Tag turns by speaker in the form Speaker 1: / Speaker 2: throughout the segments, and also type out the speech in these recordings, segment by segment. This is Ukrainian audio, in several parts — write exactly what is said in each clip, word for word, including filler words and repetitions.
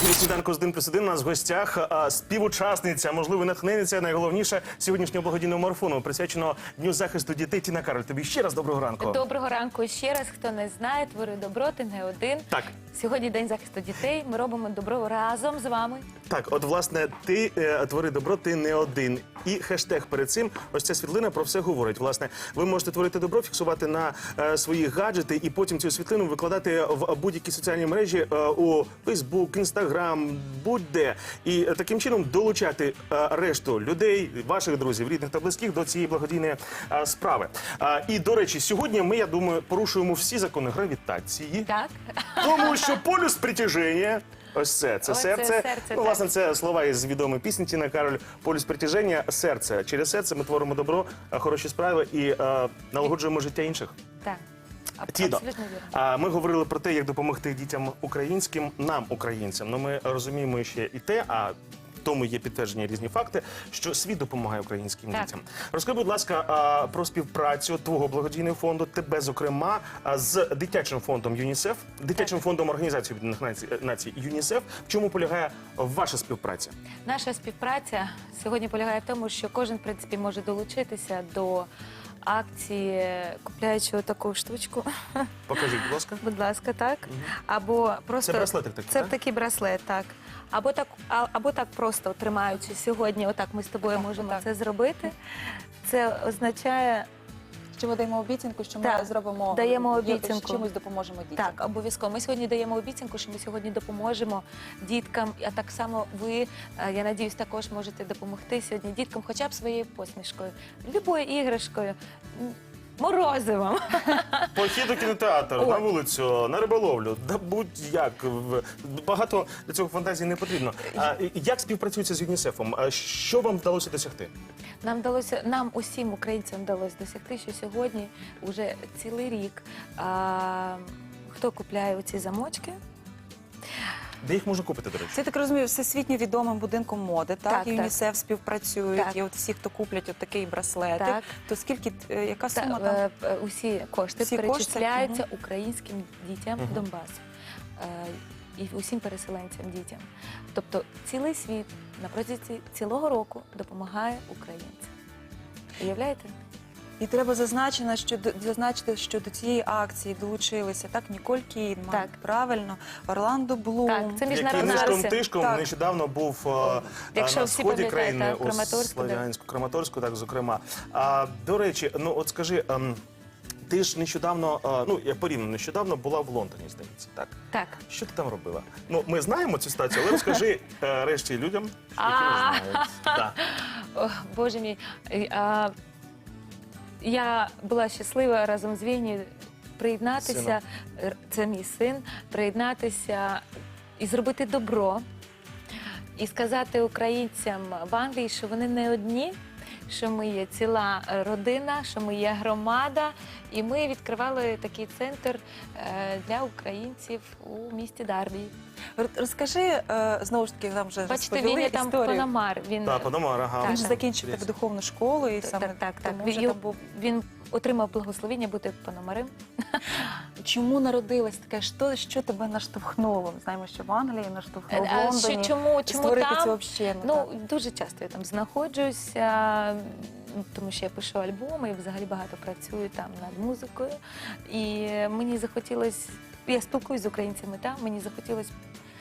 Speaker 1: ефірі «Сніданку з один плюс один» у нас в гостях а, співучасниця, можливо, натхненниця, найголовніше сьогоднішнього благодійного марафону, присвяченого Дню захисту дітей. Тіна Кароль, тобі ще раз доброго ранку.
Speaker 2: Доброго ранку ще раз. Хто не знає, твори добро, ти не один.
Speaker 1: Так.
Speaker 2: Сьогодні День захисту дітей, ми робимо добро разом з вами.
Speaker 1: Так, от, власне, ти е, твори добро, ти не один. І хештег перед цим, ось ця світлина про все говорить. Власне, ви можете творити добро, фіксувати на е, свої гаджети і потім цю світлину викладати в будь-які соціальні мережі е, у Фейсбук, Інстаграм, будь-де. І е, таким чином долучати е, решту людей, ваших друзів, рідних та близьких до цієї благодійної е, справи. Е, і, до речі, сьогодні ми, я думаю, порушуємо всі закони гравітації.
Speaker 2: Так.
Speaker 1: Тому що полюс притяження, ось це, це
Speaker 2: Ось це
Speaker 1: серце.
Speaker 2: серце,
Speaker 1: Ну,
Speaker 2: так.
Speaker 1: власне, це слова із відомої пісні Тіна Кароль. Полюс притяження, серце. Через серце ми творимо добро, хороші справи і е, налагоджуємо життя інших.
Speaker 2: Так. Аб-
Speaker 1: Тідо,
Speaker 2: Абсолютно вірно.
Speaker 1: а, ми говорили про те, як допомогти дітям українським, нам, українцям. Ну, ми розуміємо ще і те, а тому є підтвердження різні факти, що світ допомагає українським
Speaker 2: Так.
Speaker 1: дітям. Розкажи, будь ласка, а, про співпрацю твого благодійного фонду, тебе, зокрема, а, з дитячим фондом ЮНІСЕФ, дитячим фондом Організації Об'єднаних Націй, Націй ЮНІСЕФ. В чому полягає ваша співпраця?
Speaker 2: Наша співпраця сьогодні полягає в тому, що кожен, в принципі, може долучитися до акції, купляючи таку штучку.
Speaker 1: Покажіть, будь ласка.
Speaker 2: Будь ласка, так. Або просто
Speaker 1: Це браслетик такий,
Speaker 2: Це
Speaker 1: так?
Speaker 2: такий браслет, так. Або так, а- або так просто тримаючи сьогодні, отак ми з тобою
Speaker 3: Так,
Speaker 2: можемо
Speaker 3: так.
Speaker 2: це зробити. Це означає,
Speaker 3: Що ми даємо обіцянку, що ми
Speaker 2: Так,
Speaker 3: зробимо
Speaker 2: даємо
Speaker 3: є-
Speaker 2: обіцянку.
Speaker 3: чимось допоможемо дітям.
Speaker 2: так, обов'язково. Ми сьогодні даємо обіцянку, що ми сьогодні допоможемо діткам, а так само ви, е, я надіюсь, також можете допомогти сьогодні діткам хоча б своєю посмішкою, любою іграшкою, м, морозивом.
Speaker 1: Похід у кінотеатр,
Speaker 2: О.
Speaker 1: на вулицю, на риболовлю, да будь-як. В- Багато для цього фантазії не потрібно. А і- як співпрацюється з ЮНІСЕФом? А що вам вдалося досягти?
Speaker 2: Нам вдалося, нам усім українцям вдалося досягти, що сьогодні вже цілий рік а, хто купляє оці замочки.
Speaker 1: Де їх можна купити, до речі?
Speaker 3: Це, я так розумію, всесвітньо відомим будинком моди, так?
Speaker 2: Так,
Speaker 3: і
Speaker 2: так.
Speaker 3: ЮНІСЕФ співпрацюють,
Speaker 2: Так.
Speaker 3: і от всі, хто куплять от такий браслетик,
Speaker 2: Так.
Speaker 3: то скільки, е, яка
Speaker 2: Та,
Speaker 3: сума там?
Speaker 2: е, е, усі кошти
Speaker 3: Всі
Speaker 2: перечисляються
Speaker 3: кошти,
Speaker 2: українським дітям
Speaker 1: Мгм.
Speaker 2: Донбасу е, і усім переселенцям дітям. Тобто цілий світ на протязі цілого року допомагає українцям. Уявляєте?
Speaker 3: І треба зазначити, що до- зазначити, що до цієї акції долучилися так Ніколь Кідман,
Speaker 2: Так.
Speaker 3: правильно, Орландо Блум.
Speaker 2: Так, це
Speaker 1: Який
Speaker 2: міжнародна
Speaker 1: нишком
Speaker 2: акція.
Speaker 1: тишком
Speaker 3: Так.
Speaker 1: нещодавно був е,
Speaker 2: Якщо
Speaker 1: на
Speaker 2: всі
Speaker 1: сході
Speaker 2: пам'ятають,
Speaker 1: країни,
Speaker 2: так,
Speaker 1: у
Speaker 2: Краматорську, да.
Speaker 1: Слов'янську, Краматорську, так, зокрема. А, до речі, ну от скажи, ем, ти ж нещодавно, е, ну я порівняно нещодавно була в Лондоні, здається, так?
Speaker 2: Так.
Speaker 1: Що ти там робила? Ну, ми знаємо цю ситуацію, але розкажи е, решті людям, які
Speaker 2: А.
Speaker 1: не знають. Да.
Speaker 2: О, Боже мій, Е, а, я була щаслива разом з Вінні приєднатися, Р- це мій син, приєднатися і зробити добро, і сказати українцям в Англії, що вони не одні, що ми є ціла е, родина, що ми є громада, і ми відкривали такий центр е, для українців у місті Дарбі.
Speaker 3: Р- Розкажи, е, знову ж таки, нам вже
Speaker 2: Бачите,
Speaker 3: розповіли
Speaker 2: він є там
Speaker 3: історію.
Speaker 2: Пономар. Він
Speaker 1: Та, Пономар, ага.
Speaker 3: Він
Speaker 2: Так,
Speaker 3: ж
Speaker 2: так.
Speaker 3: закінчив педагогічну школу і саме
Speaker 2: так, так, так.
Speaker 3: тому
Speaker 2: Він,
Speaker 3: вже
Speaker 2: його-
Speaker 3: там був.
Speaker 2: він отримав благословіння бути Пономарем.
Speaker 3: Чому народилось таке? Що, що тебе наштовхнуло? Ми знаємо, що в Англії наштовхнуло, в
Speaker 2: А
Speaker 3: Лондоні.
Speaker 2: що- чому, чому
Speaker 3: створити
Speaker 2: там?
Speaker 3: цю общину.
Speaker 2: Ну,
Speaker 3: так.
Speaker 2: дуже часто я там знаходжуся, м, тому що я пишу альбоми і взагалі багато працюю там над музикою. І мені захотілося, я спілкуюсь з українцями там, мені захотілося,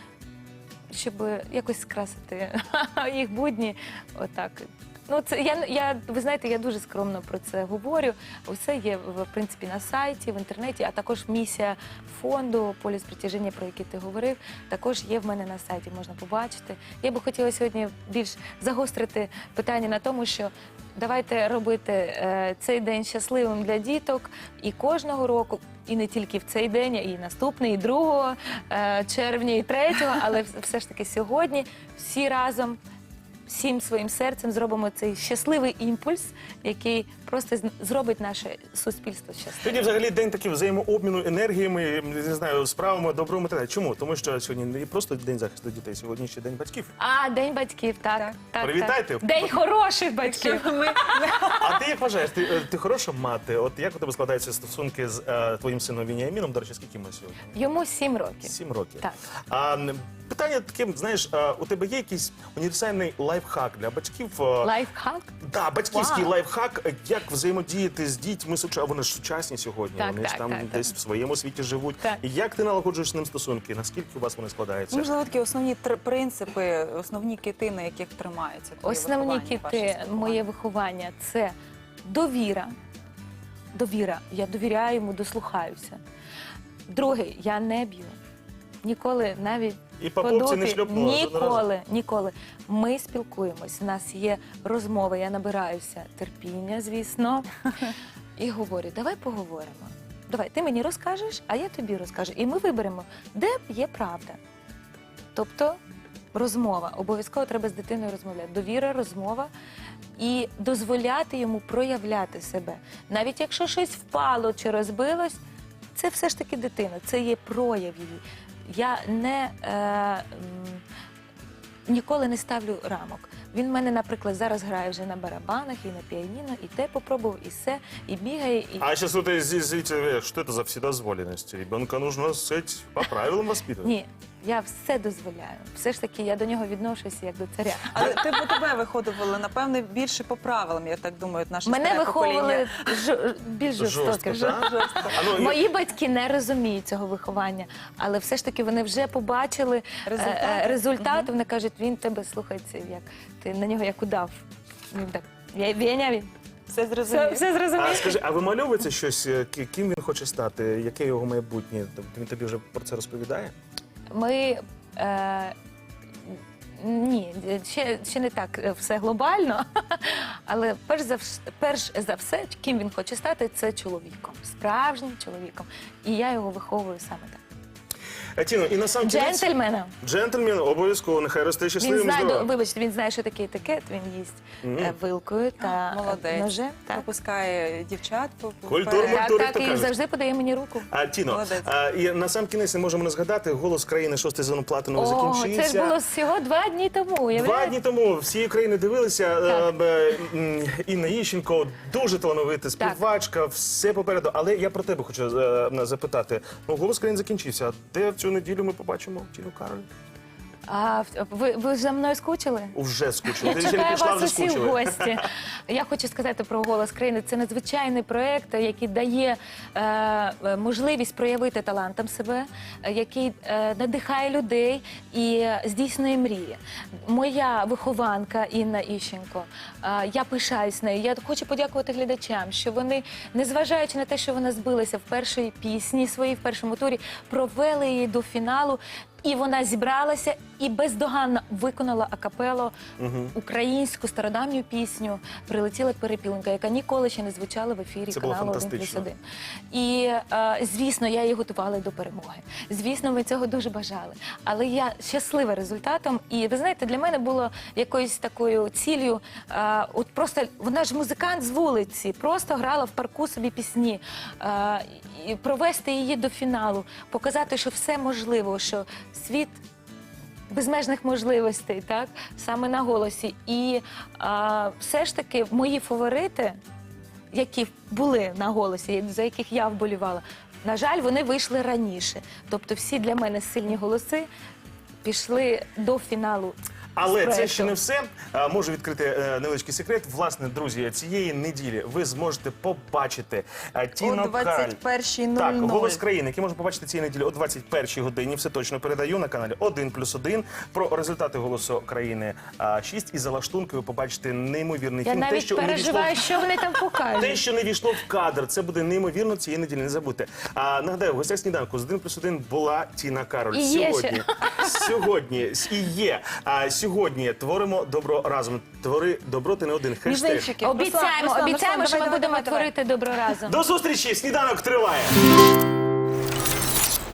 Speaker 2: щоб якось скрасити їх будні отак. Ну, це я, я, ви знаєте, я дуже скромно про це говорю. Усе є в в принципі на сайті, в інтернеті, а також місія фонду «Полюс притяження», про який ти говорив, також є в мене на сайті, можна побачити. Я би хотіла сьогодні більш загострити питання на тому, що давайте робити е, цей день щасливим для діток і кожного року. І не тільки в цей день, а і наступний, і другого е, червня, і третього, але вс- все ж таки сьогодні всі разом, всім своїм серцем зробимо цей щасливий імпульс, який просто з- зробить наше суспільство щасливим.
Speaker 1: Сьогодні взагалі день такий взаємообміну енергіями, не знаю, справами, добром і так далі. Чому? Тому що сьогодні не просто день захисту дітей, сьогодні ще день батьків.
Speaker 2: А, День батьків, так.
Speaker 3: Так.
Speaker 2: так,
Speaker 1: Привітайте.
Speaker 2: так. День хороших батьків.
Speaker 1: А ти як вважаєш, ти, е, ти хороша мати? От як у тебе складаються стосунки з е, твоїм сином Веніаміном? До речі, скільки йому сьогодні?
Speaker 2: Йому сім років.
Speaker 1: Сім років.
Speaker 2: Так.
Speaker 1: А м, питання таке, знаєш, е, у тебе є якийсь універсальний лайфхак для батьків? е,
Speaker 2: Лайфхак?
Speaker 1: Да, батьківський
Speaker 2: Вау.
Speaker 1: лайфхак, е, як взаємодіяти з дітьми, суча- вони ж сучасні сьогодні,
Speaker 2: Так,
Speaker 1: вони ж
Speaker 2: так,
Speaker 1: там
Speaker 2: так, так.
Speaker 1: десь в своєму світі живуть.
Speaker 2: Так.
Speaker 1: І як ти налагоджуєш з ним стосунки? Наскільки у вас вони
Speaker 3: Ну,
Speaker 1: складаються?
Speaker 3: можливо, такі основні тр- принципи, основні кити, на яких тримаються твоє
Speaker 2: Основні
Speaker 3: виховання, ваше
Speaker 2: кіти,
Speaker 3: спілкування?
Speaker 2: моє виховання це довіра. Довіра. Я довіряю йому, дослухаюся. Друге, я не б'ю. Ніколи навіть
Speaker 1: І по попці не
Speaker 2: подути-
Speaker 1: шльопнула жодного разу?
Speaker 2: Ніколи, ніколи. Ми спілкуємось, у нас є розмови, я набираюся терпіння, звісно, і говорю, давай поговоримо. Давай, ти мені розкажеш, а я тобі розкажу. І ми виберемо, де є правда. Тобто розмова. Обов'язково треба з дитиною розмовляти. Довіра, розмова і дозволяти йому проявляти себе. Навіть якщо щось впало чи розбилось, це все ж таки дитина, це є прояв її. Я не, е, м, ніколи не ставлю рамок. Він в мене, наприклад, зараз грає вже на барабанах і на піаніно, і те попробував, і все, і бігає, і...
Speaker 1: А сейчас вот здесь зрители, что это за вседозволенность? Ребенка нужно, сказать, по правилам воспитывать.
Speaker 2: Ні, я все дозволяю. Все ж таки, я до нього відношуся як до царя.
Speaker 3: Але ти по тебе виходили, напевне, більше по правилам, я так думаю, наше
Speaker 2: Мене
Speaker 3: старе
Speaker 2: виховували
Speaker 3: покоління.
Speaker 2: жо- більш жорстоко.
Speaker 1: Жорстко, так? А ну,
Speaker 2: Мої батьки не розуміють цього виховання, але все ж таки вони вже побачили
Speaker 3: Результати.
Speaker 2: е, е, результат. Вони кажуть, він тебе слухається, як ти на нього як удав. Він так, «Я- Веня, він
Speaker 3: Все
Speaker 2: все,
Speaker 3: зрозуміло.
Speaker 2: все
Speaker 1: А
Speaker 2: зрозумів.
Speaker 1: скажи, а вимальовується щось, е, ки- ким він хоче стати? Яке його майбутнє? Тобто він тобі вже про це розповідає?
Speaker 2: Ми е, ні, ще, ще не так е, все глобально, але перш за, вс- перш за все, ким він хоче стати, це чоловіком, справжнім чоловіком. І я його виховую саме так.
Speaker 1: А, Тіно, і на сам кінець...
Speaker 2: Джентльмена.
Speaker 1: Джентльмен, обов'язково, нехай росте
Speaker 2: Він
Speaker 1: щасливим,
Speaker 2: знає,
Speaker 1: здоровим.
Speaker 2: вибачте, він знає, що таке етикет, він їсть
Speaker 1: Мгм.
Speaker 2: е, вилкою та
Speaker 3: Молодець.
Speaker 2: ножем. Так,
Speaker 3: Пропускає дівчат. по- по-
Speaker 1: Культурно.
Speaker 3: вперед.
Speaker 2: так,
Speaker 1: Культури,
Speaker 2: так
Speaker 1: то
Speaker 2: і
Speaker 1: кажуть.
Speaker 2: завжди подає мені руку.
Speaker 1: А, Тіно,
Speaker 3: Молодець.
Speaker 1: а, і на сам кінець не можемо не згадати, «Голос країни», шостий сезон «Платиновий»
Speaker 2: О,
Speaker 1: закінчився.
Speaker 2: це ж було всього два дні тому.
Speaker 1: Два
Speaker 2: уявляєте?
Speaker 1: дні тому всієї країни дивилися.
Speaker 2: Так.
Speaker 1: е, б, м, Інна Іщенко, дуже талановита співачка, все попереду. Але я про тебе хочу е, запитати. Ну, «Голос країни» закінчився. А де в цю неділю ми побачимо Тіну Кароль?
Speaker 2: А ви, ви за мною скучили?
Speaker 1: Уже скучили.
Speaker 2: Я
Speaker 1: Ти ще не
Speaker 2: чекаю
Speaker 1: пішла,
Speaker 2: вас
Speaker 1: вже
Speaker 2: усі в
Speaker 1: скучили.
Speaker 2: гості. Я хочу сказати про «Голос країни». Це надзвичайний проєкт, який дає е, можливість проявити талантом себе, е, який е, надихає людей і е, здійснює мрії. Моя вихованка Інна Іщенко, е, я пишаюсь нею. Я хочу подякувати глядачам, що вони, незважаючи на те, що вона збилася в першій пісні своїй, в першому турі, провели її до фіналу. І вона зібралася і бездоганно виконала акапело українську стародавню пісню «Прилетіла перепілинка», яка ніколи ще не звучала в ефірі
Speaker 1: Це було
Speaker 2: каналу один плюс
Speaker 1: фантастично.
Speaker 2: один. І, е, звісно, я її готувала до перемоги. Звісно, ми цього дуже бажали. Але я щаслива результатом. І, ви знаєте, для мене було якоюсь такою ціллю, е, от просто, вона ж музикант з вулиці, просто грала в парку собі пісні. Е, і провести її до фіналу, показати, що все можливо, що світ безмежних можливостей, так, саме на голосі. І а, все ж таки мої фаворити, які були на голосі, за яких я вболівала, на жаль, вони вийшли раніше. Тобто всі для мене сильні голоси пішли до фіналу.
Speaker 1: Але
Speaker 2: з
Speaker 1: це
Speaker 2: проекту.
Speaker 1: ще не все. А, Можу відкрити е, невеличкий секрет. Власне, друзі, цієї неділі ви зможете побачити е, Тіну
Speaker 3: О
Speaker 1: Кароль.
Speaker 3: двадцять першій нуль
Speaker 1: Так,
Speaker 3: нуль.
Speaker 1: «Голос країни», який можна побачити цієї неділі о двадцять першій годині. Все точно передаю на каналі один плюс один. Про результати «Голосу країни» а, шість. І за лаштункою побачите неймовірний
Speaker 2: Я
Speaker 1: фільм. Те,
Speaker 2: навіть
Speaker 1: що не війшло
Speaker 2: переживаю, що вони там
Speaker 1: Те,
Speaker 2: покажуть.
Speaker 1: що не війшло в кадр, це буде неймовірно цієї неділі. Не забудьте. А нагадаю, в гостях сніданку з один плюс один була Тіна Кароль.
Speaker 2: І є
Speaker 1: Сьогодні, сьогодні і є. А сьогодні творимо добро разом. Твори добро, ти не один. Хештег.
Speaker 3: Мізинчики.
Speaker 2: Обіцяємо,
Speaker 3: Руслан, Руслан,
Speaker 2: обіцяємо,
Speaker 3: Руслан,
Speaker 2: що ми
Speaker 3: давай,
Speaker 2: будемо
Speaker 3: давай, давай.
Speaker 2: творити добро разом.
Speaker 1: До зустрічі! Сніданок триває.